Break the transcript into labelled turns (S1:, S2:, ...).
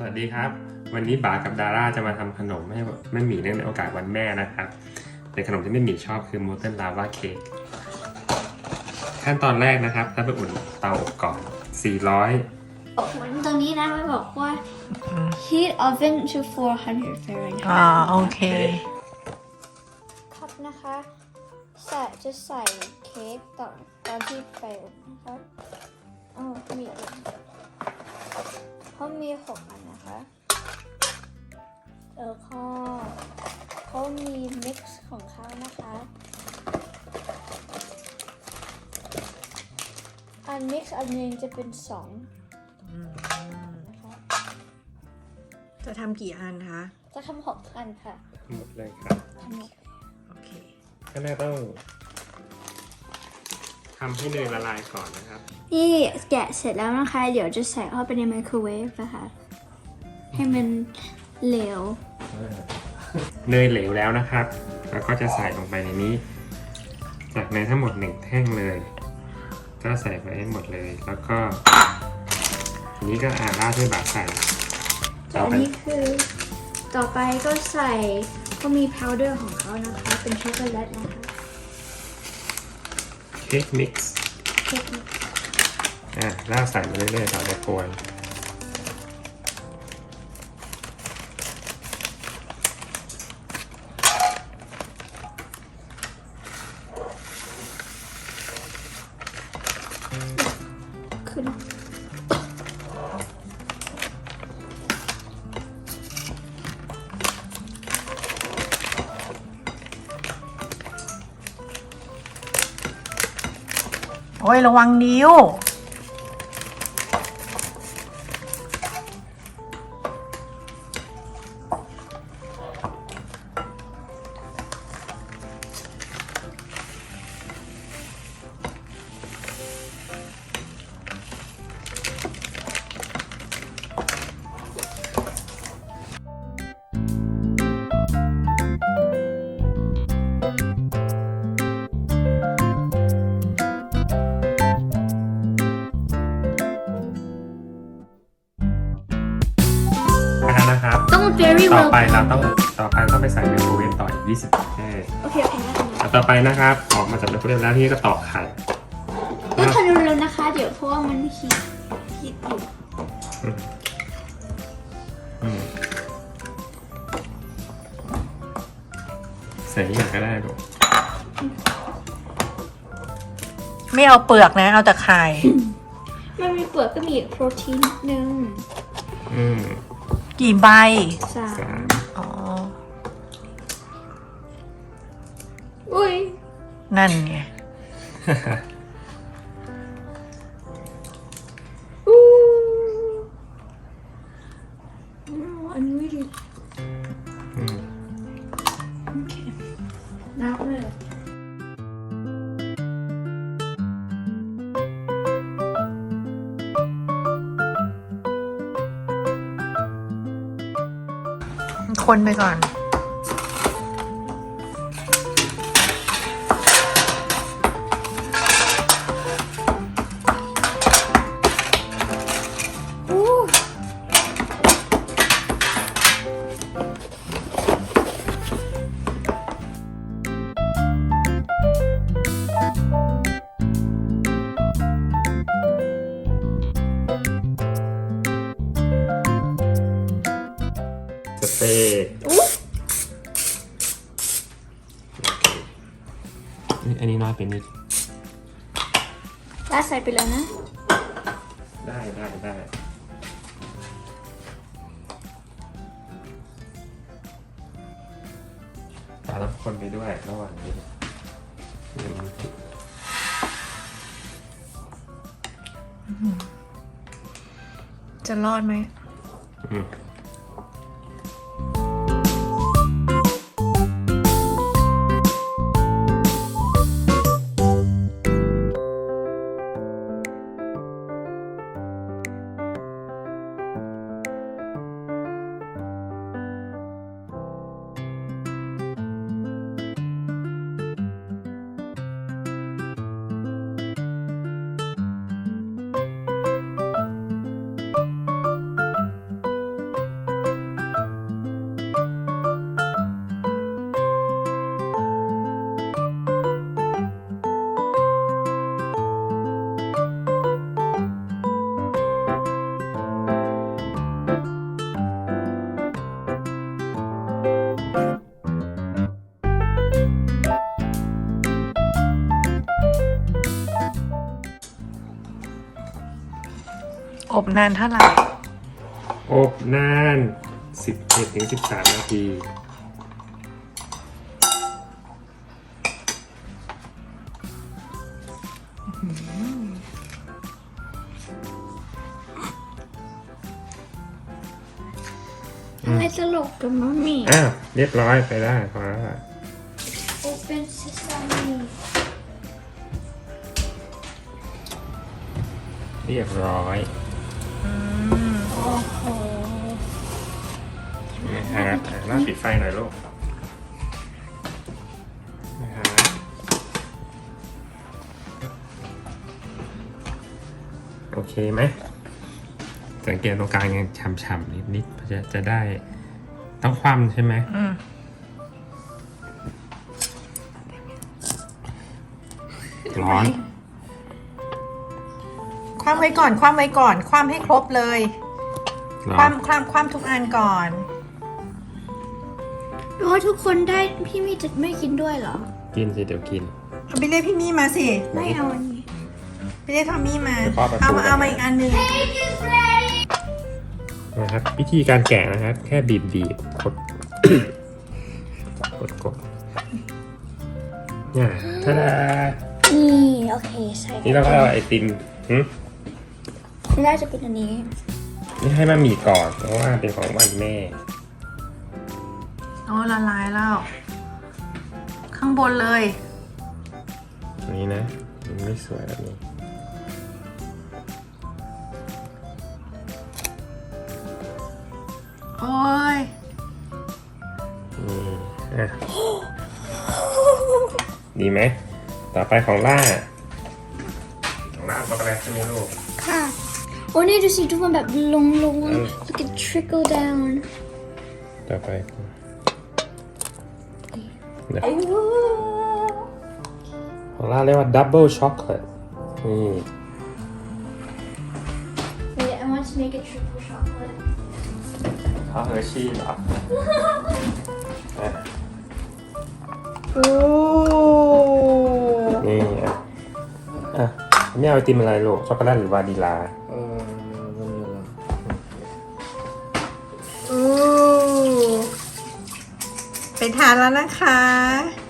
S1: วัสดีครับวันนี้บากับดาร่าจะมาทำขนมให้แม่หมีเนื่องในโอกาสวันแม่นะครับเป็นขนมที่แม่หมีชอบคือ Molten Lava Cake ขั้นตอนแรกนะครับถ้าไปอุ่นเตาอบก่อน400
S2: ตรงนี้นะมันบอกว่า heat oven to 400 Fahrenheit
S3: โอเค
S2: ครับนะคะจะใส่เค้กตอนที่ไปอบนะครับมีเขามี6 อันนะคะแล้วก็เขามี mix ของเขานะคะอัน mix อันนึงจะเป็น2นะคะ
S3: จะทำกี่อันคะ
S2: จะทำ6 อันค่ะ
S1: หมดเลยครับ
S2: ทำหมด
S3: โอเค
S1: ขั้นแรกต้องทำให้เนยละลายก่อนนะครับ
S2: นี่แกะเสร็จแล้วนะคะ เดี๋ยวจะใส่เข้าไปในไมโครเวฟนะคะให้มันเหลว
S1: เนยเหลวแล้วนะครับแล้วก็จะใส่ลงไปในนี้จากเนยทั้งหมด1 แท่งเลยก็ใส่ไปให้หมดเลยแล้วก็ทีนี้ก็ราดด้วยบาใส่
S2: อันนี้คือต่อไปก็ใส่ก็มีพาวเดอร์ของเขานะคะ เป็นช็อกโกแลตนะคะ
S1: เค้กมิกซ์
S2: เค้กนี้
S1: ราดใส่มาเรื่อยๆต่อไปโกย
S2: ขึ้น
S3: โอ้ยระวังนิ้ว
S1: นะครับ
S2: ต้อง very
S1: ต่อ
S2: well
S1: ไปเราต้องไปใส่ไมโครเวฟต่ออีก20 นาที
S2: โอเคนะคะ
S1: ต่อไปนะครับออกมาจากไมโครเวฟแล้วที่ก็ตอกไข่
S2: ต้องทำเร็วๆนะคะ เดี๋ยวเพราะว่ามันฮีทอยู่
S1: ใส่อย่างก็ได้ลูก
S3: ไม่เอาเปลือกนะ เอาแต่ไข่
S2: มันมีเปลือกก็มีโปรตีนนิดนึง
S3: กี่ใบ
S2: 3
S3: อ๋อ
S2: อุ้ย
S3: นั่นไง
S2: อู้อันนี้ดีโอเคนับเลย
S3: คนไปก่อน
S2: อู้
S1: สเปรย์
S2: อู้
S1: อันนี้น้อยไปนิด
S2: ลาดใส่ไปแล้วนะ
S1: ได้แต่ต้องคนไปด้วยระหว่างนี้
S3: จะรอดไหม
S1: เ
S3: นานเท่าไหร่
S1: อบนาน 11-13 นาที
S2: ทำไมตลกกับมัมมี่
S1: อ้าว เรียบร้อยไปได้พอแล้วล่ะ
S2: Open Sesame
S1: เรียบร้อย
S2: โอ้โห
S1: นะครับน่าปิดไฟหน่อยลูกนะครับโอเคไหมสังเกตตรงกลางยังฉ่ำๆนิดๆจะได้ต้องคว่ำใช่ไหม ร้อน
S3: คว่ำไว้ก่อน คว่ำไว้ก่อน คว่ำให้ครบเลย
S1: ร้
S3: ค
S1: อน
S3: ว่ำทุกอันก่อน
S2: เพราะทุกคนได้พี่มี่จะไม่กินด้วยเหรอ
S1: กินสิเดี๋ยวกิน
S3: เอาไปเรียกพี่มี่มาสิ
S2: ไม่เอาอันนี้
S3: ไปเรียกทอมมี่มา
S1: เดี๋ยวพ่อประตู
S3: เอามาอีกอันหนึ่ง
S1: นะครับวิธีการแกะนะครับ แค่บีบกด กดเนี่ยท่าดา
S2: นี่โอเคใส่
S1: นี่เราก็เอาไอติม
S2: ไม่ได้จะเป็นอันนี้
S1: นี่ให้มามีก่อนเพราะว่าเป็นของวันแม่
S3: โอ้ละลายแล้ว ข้างบนเลย
S1: อันนี้นะมันไม่สวยแบบนี้
S3: โอ้ย
S1: อ่ะดีไหมต่อไปของล่าช็อกโกแลตใช่ไหมลูก
S2: ค่ะ โอ้นี่ดูสิทุกคนแบบลงlook at trickle down
S1: ต่อไปเดี๋ยวของล่าเรียกว่า double chocolate นี่
S2: Wait I want to make a triple chocolate
S1: ข้าวเฮอร์ชี่เหรออ่ะ
S3: โอ้
S1: นี่อ่ะไม่เอาไอติมอะไรลูกช็อกโกแลตหรือวานิลา
S3: ไปทานแล้วนะคะ